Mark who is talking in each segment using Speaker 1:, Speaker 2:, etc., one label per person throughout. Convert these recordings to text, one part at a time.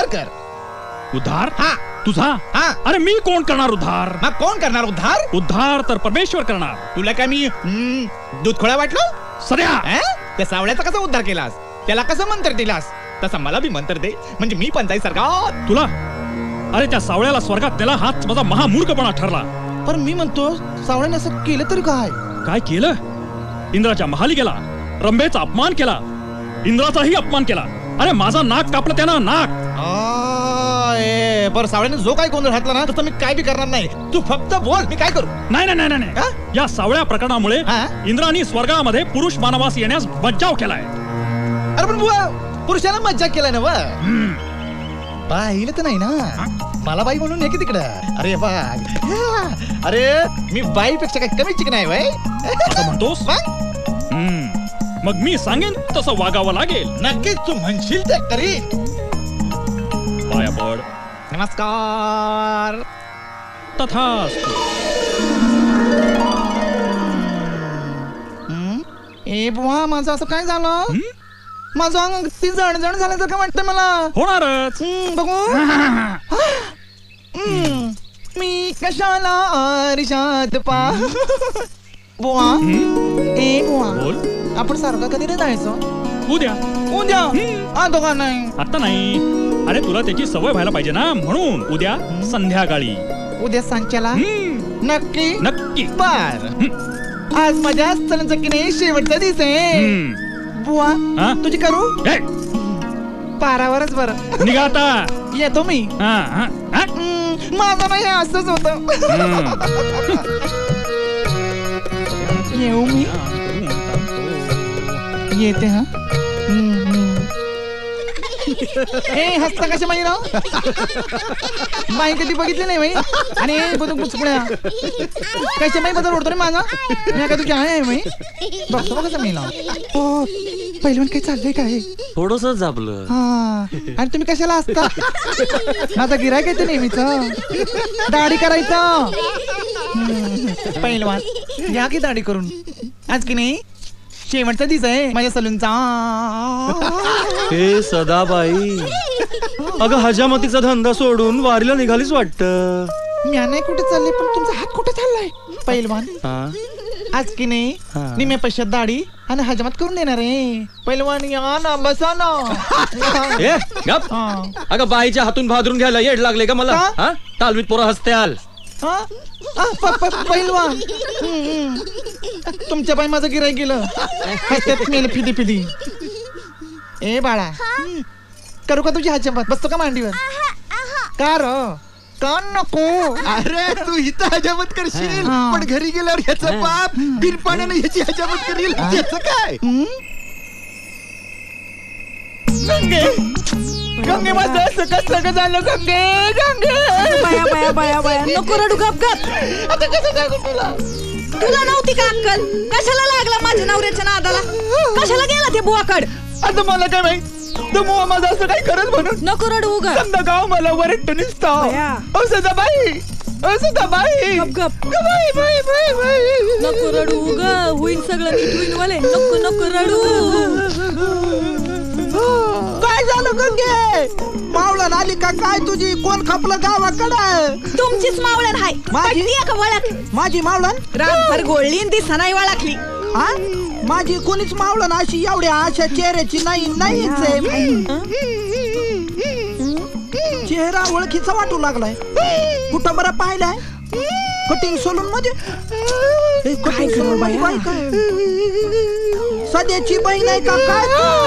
Speaker 1: कर.
Speaker 2: उद्धार?
Speaker 1: हा.
Speaker 2: तुझा?
Speaker 1: हा.
Speaker 2: अरे मी कोण करणार उद्धार?
Speaker 1: मग कोण करणार उद्धार?
Speaker 2: उद्धार तर परमेश्वर करणार.
Speaker 1: तुला काय मी दूध खोळा वाटलो?
Speaker 2: सध्या
Speaker 1: त्या सावळ्याचा कसा उद्धार केलास? त्याला कसं मंत्र दिलास? तसा मला बी मंत्र दे, म्हणजे मी पण जाई सरकार.
Speaker 2: तुला? अरे त्या सावळ्याला स्वर्गात त्याला हाच माझा महामूर्खपणा ठरला.
Speaker 1: पण मी म्हणतो सावळ्याने असं केलं तरी काय?
Speaker 2: काय केलं? इंद्राच्या महाली गेला, रंभेचा अपमान केला, इंद्राचाही अपमान केला. अरे माझा नाक कापला त्यानं, नाक.
Speaker 1: बरं, सावळ्याने जो काय गोंधळ घातला ना तसं मी काय बी करणार नाही. तू फक्त बोल, मी काय करू?
Speaker 2: नाही नाही नाही नाही. या सावळ्या प्रकरणामुळे इंद्राने स्वर्गामध्ये पुरुष मानवास येण्यास बचाव केलाय.
Speaker 1: अरे पण बुवा, पुरुषाला मज्जा केलाय ना? पाहिलं तर नाही ना मला बाई म्हणून हे की तिकडं. अरे बघ, अरे मी बाईपेक्षा काही कमी चिकन आहे बाई.
Speaker 2: असं म्हणतोस? मग मी सांगेन तसं वागावं लागेल.
Speaker 1: नक्कीच तू म्हणशील ते करी.
Speaker 2: पाया पड.
Speaker 1: नमस्कार.
Speaker 2: तथास्तु.
Speaker 1: ए बुवा, माझं असं काय झालं? माझं अंग ती जण झाल्यासारखं वाटतं मला.
Speaker 2: होणारच.
Speaker 1: बघू. मी कशाला आरशात पा. बुवा, ए बुवा,
Speaker 2: बोल.
Speaker 1: आपण सारखं कधी रे जायचं?
Speaker 2: उद्या.
Speaker 1: उद्या? आता का नाही?
Speaker 2: आता नाही. अरे तुला त्याची सवय व्हायला पाहिजे ना, म्हणून उद्या संध्याकाळी.
Speaker 1: उद्या सांच्याला? नक्की?
Speaker 2: नक्की.
Speaker 1: बर. आज माझ्या सणाचं की नाही शेवटचा दिवस आहे. बुवा, तुझी करू? पारावरच बरं.
Speaker 2: निघा आता.
Speaker 1: येतो मी. माझं नाही असंच होत. येऊ मी? येते. हा. ए हसता कशा माही राव? बाई कधी बघितली नाही बाई. आणि कशा माही बदल ओढतो रे माझा. मी का तुझी आहे बाई. बघतो बघ कसं मी लाव. हो पहिलं काय चाललंय काय?
Speaker 3: थोडस झापलं.
Speaker 1: हा. आणि तुम्ही कशाला असता? माझा गिरायक आहे ते नेहमीच. दाढी करायचं. पहिलवान या की दाढी करून. आज की नाही शेवटचा दिवस आहे माझ्या सलूनचा.
Speaker 3: हे सदाबाई, अगं हजामतीचा धंदा सोडून वारीला निघालीच वाटतं.
Speaker 1: मी नाही कुठे चालले, पण तुमचा हात कुठे चाललाय? पहिलवान आज की नाही निम्या पैशात दाढी आणि हजामत करून देणार आहे. पहिलवान या ना, बसा ना.
Speaker 3: अगं बाईच्या हातून भादरून घ्यायला येड लागले का मला? तालवीत पोरं हसत्याल.
Speaker 1: पहिलवान तुमच्या बाई माझं गिराईक गेलं. हसत्यात मेल फिदी फिदी. ए बाळा, करू का तुझी हजामत? बसतो का मांडीवर? का र का नको?
Speaker 4: अरे तू इथं हजामत करशील, पण घरी गेल्यावर ह्याचा बाप बिरपाण्याने ह्याची हजामत करील. याचं काय?
Speaker 1: गंगे, गंगे माझं असं कसं झालं? गंगे, गंगे.
Speaker 5: बाया बाया बाया बाया, नको रडू, गप गप.
Speaker 1: आता कसं सांगू तुला?
Speaker 5: तुला नव्हती का अक्कल? कशाला लागला माझ्या नवऱ्याच्या नादाला? कशाला गेला ते बुवाकड?
Speaker 1: आता मला काय माहित, तो मुवा माझं असं काही करत म्हणून.
Speaker 5: नको रडू उगा.
Speaker 1: समजा गाव मला वरट्ट निसता. ओ सदाबाई, ओ सदाबाई.
Speaker 5: गप गप.
Speaker 1: बाई बाई बाई बाई.
Speaker 5: नको रडू उगा, होईल सगळं नीट होईल वाले. नको नको रडू.
Speaker 4: काय झालं गंगे? मावळण आली का काय तुझी? कोण खपलं गावाकडं?
Speaker 5: तुमचीच मावळण हाय.
Speaker 4: माझी?
Speaker 5: का वळख?
Speaker 4: माझी मावळण
Speaker 5: रातभर गोळली दिसा नाही वळखली.
Speaker 4: हा? माझी कोणीच मावळण अशी एवढ्या अशा चेहऱ्याची नाहीच आहे. चेहरा ओळखीचा वाटू लागलाय. कुठं बरं पाहिलाय? कटिंग सलून मध्ये.
Speaker 5: काय करू बाया?
Speaker 4: सध्याची बहीण आहे का काय?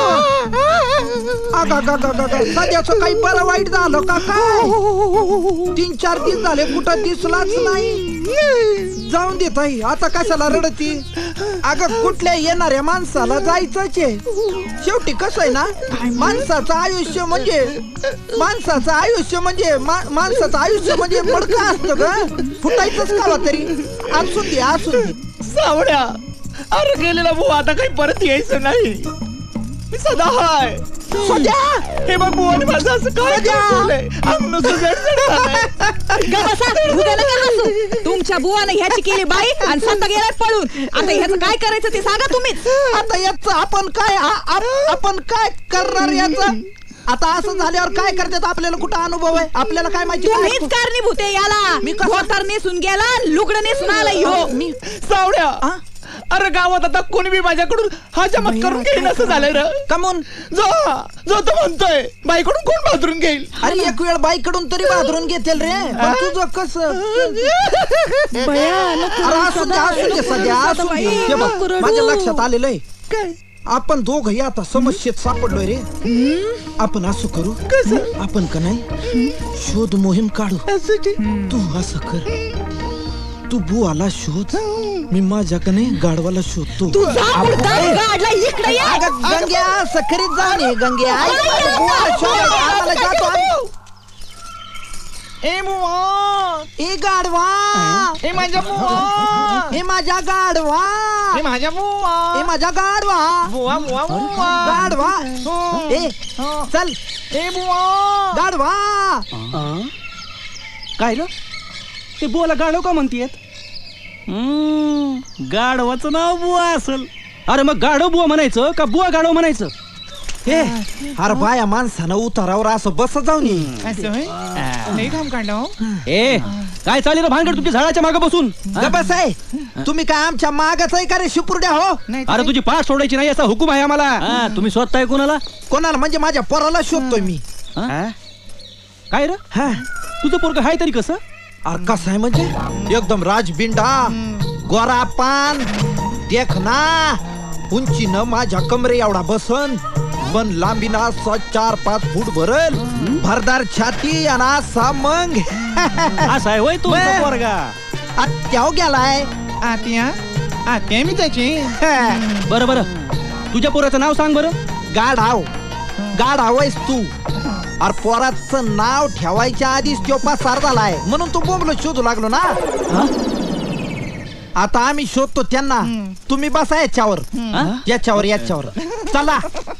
Speaker 4: सध्याचं काही बरं वाईट झालं का काय? 3-4 दिवस झाले कुठं दिसलाच नाही. जाऊन देत आहे, आता कशाला रडती? अगं कुठल्या येणाऱ्या माणसाला जायचंच आहे. शेवटी कसं आहे ना, माणसाचं आयुष्य म्हणजे मडकं असतं ग. फुटायचंच कावा तरी. असून दे.
Speaker 1: सावड्या, अरे गेलेला बुवा आता काही परत यायचं नाही. मी सदा हाय.
Speaker 4: सध्या
Speaker 1: हे बघ बुवा, माझं असं काय झालंय? अंग जडजड झालंय.
Speaker 5: तुमच्या बुवाने ह्याची केली बाई आणि संत गेलाय पळून. आता ह्याचं काय करायचं ते सांगा तुम्हीच.
Speaker 4: आता याच आपण काय करणार? याच आता असं झाल्यावर काय करतात आपल्याला कुठं अनुभव आहे आपल्याला काय माहिती
Speaker 5: तुम्हीच
Speaker 4: काय?
Speaker 5: कारणीभूत आहे याला.
Speaker 4: मी कसं-
Speaker 5: धोतर नेसून गेला, लुगडं नेसून आला ह्यो.
Speaker 4: मी
Speaker 1: सावड्या
Speaker 4: हा?
Speaker 1: अरे गावात आता कोणी बी माझ्याकडून हजामत करून घेईन असं झालंय रे.
Speaker 4: कमून
Speaker 1: जो जो तो म्हणतोय बाईकडून कोण बाजरून घेईल.
Speaker 4: अरे एक वेळ बाईकडून तरी बाजरून घेतील रे पण तुझं कसं अरे असून दे सध्या असून दे. हे बघ, माझ्या लक्षात आलेलं आहे आपण दोघही आता समस्येत सापडलोय रे. आपण असं करू आपण का नाही शोध मोहीम काढू. तू असं कर तू बुवाला शोध मी माझ्या का नाही गाढवाला शोधतो.
Speaker 5: तुझा मुर्दा गाडला इकडे ये.
Speaker 4: अगं, गंग्या सकरीत जाऊन ये गंग्या बुवाला शोध आम्हाला जातो आम्ही.
Speaker 1: ए बुवा
Speaker 4: ए गाढवा
Speaker 1: ए माझ्या बुवा
Speaker 4: ए माझ्या गाढवा
Speaker 1: ए माझ्या बुवा
Speaker 4: ए माझ्या गाढवा
Speaker 1: बुवा बुवा बुवा
Speaker 4: गाढवा ए चल
Speaker 1: ए बुवा
Speaker 4: गाढवा
Speaker 3: काय रे ते बुवाला गाढव का म्हणतीयत? गाढवाचं नाव बुवा असल. अरे मग गाढव बुवा म्हणायचं का बुवा गाढव म्हणायचं?
Speaker 4: हे अरे बाया माणसानं उतारावर असं बस जाऊन ये.
Speaker 1: असं होय? नाही काम काढलं.
Speaker 3: ए काय चालेल भानगड तुमच्या झाडाच्या मागे बसून?
Speaker 4: बस आहे तुम्ही काय आमच्या मागाच आहे का रे शिपुर्ड्या हो?
Speaker 3: अरे तुझी पाठ सोडायची नाही असा हुकूम आहे आम्हाला. तुम्ही स्वतः कोणाला?
Speaker 4: कोणाला म्हणजे माझ्या पोराला शोधतोय मी.
Speaker 3: काय रे
Speaker 4: हा
Speaker 3: तुझं पोरग हाय तरी कसं?
Speaker 4: अरे कसं आहे म्हणजे एकदम राजबिंडा गोरा पान देखना उंचीनं माझ्या कमरे एवढा बसन पण लांबीना असा 4-5 फूट भरल भरदार छाती आणि असा मग
Speaker 3: असा आहे होय तुझा
Speaker 4: बे.
Speaker 3: पोरगा?
Speaker 4: आत्याव गेलाय.
Speaker 1: आत्या आत्या मी त्याची
Speaker 3: बरं बरं तुझ्या पोराचं नाव सांग बरं.
Speaker 4: गाढाव गाढाव आहेस तू. अरे पोराचं नाव ठेवायच्या आधीच तो पसार झालाय म्हणून तू बोंबलो शोधू लागलो ना. आता आम्ही शोधतो त्यांना तुम्ही बसा याच्यावर याच्यावर चला.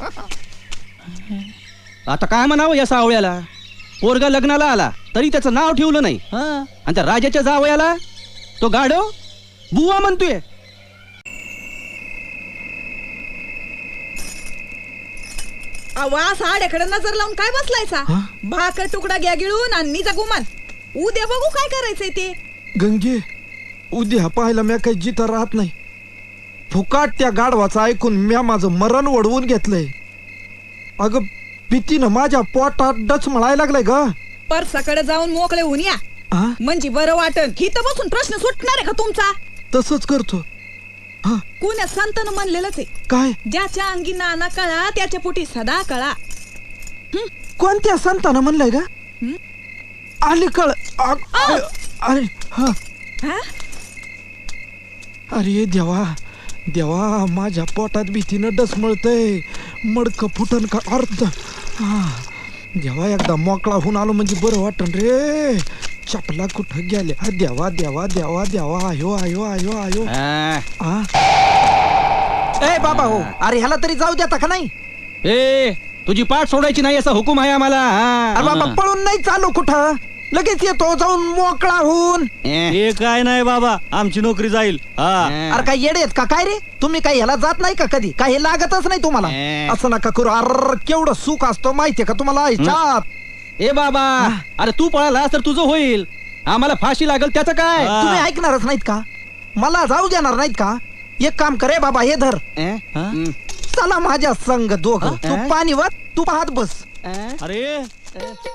Speaker 3: आता काय म्हणावं या सावळ्याला? पोरगा लग्नाला आला तरी त्याचं नाव ठेवलं नाही आणि त्या राजाच्या जावयाला तो गाढव बुवा म्हणतोय.
Speaker 5: आवा साड्याकडे नजर लावून काय बसलायचा? भाकर तुकडा घ्या गिळून आणि निजा गुमान. उद्या बघू काय करायचंय ते.
Speaker 4: गंगे उद्या पाहायला म्या काही जिथं राहत नाही. फुकाट त्या गाढवाचं ऐकून म्या माझं मरण वडवून घेतलंय. अगं भीतीनं माझ्या पोटात डच म्हणायला लागलाय ग.
Speaker 5: परसाकडे जाऊन मोकळे होऊन या म्हणजे बरं वाटन. हिथं बसून प्रश्न सुटणार आहे का तुमचा?
Speaker 4: तसंच करतो.
Speaker 5: कोण्या संतानं म्हणलेलंच आहे
Speaker 4: काय
Speaker 5: ज्याच्या अंगी नाना कळा त्याच्या पोटी सदा कळा.
Speaker 4: कोणत्या संतानं म्हणलंय ग? अलीकड अरे
Speaker 5: हा?
Speaker 4: अरे देवा देवा माझ्या पोटात भीतीनं डसमळतय. मडक फुटन का अर्थ. देवा एकदा मोकळा होऊन आलो म्हणजे बरं वाटन रे. चपला कुठं गेल्या देवा देवा देवा देवा आयो आयो आयो आयो. ए बाबा हो अरे ह्याला तरी जाऊ द्या का नाही?
Speaker 3: ए तुझी पाठ सोडायची नाही असा हुकूम आहे आम्हाला.
Speaker 4: अरे बाबा पळून नाही चालू कुठं लगेच येतो जाऊन मोकळा होऊन.
Speaker 3: हे काय नाही बाबा आमची नोकरी जाईल.
Speaker 4: अरे काय येडे आहेत का काय रे तुम्ही? काय ह्याला जात नाही का कधी? काय हे लागतच नाही तुम्हाला? असं नका करू. अर केवढं सुख असतो माहितीये का तुम्हाला ह्याच्यात?
Speaker 3: ए बाबा अरे तू पळाला तर तुझं होईल. आम्हाला फाशी लागल त्याचं काय?
Speaker 4: तुम्ही ऐकणारच नाहीत का? मला जाऊ देणार नाहीत का? एक काम करे बाबा हे धर. चला माझ्या संग दोघं. तू पाणी वर तू पाहत बस.
Speaker 3: अरे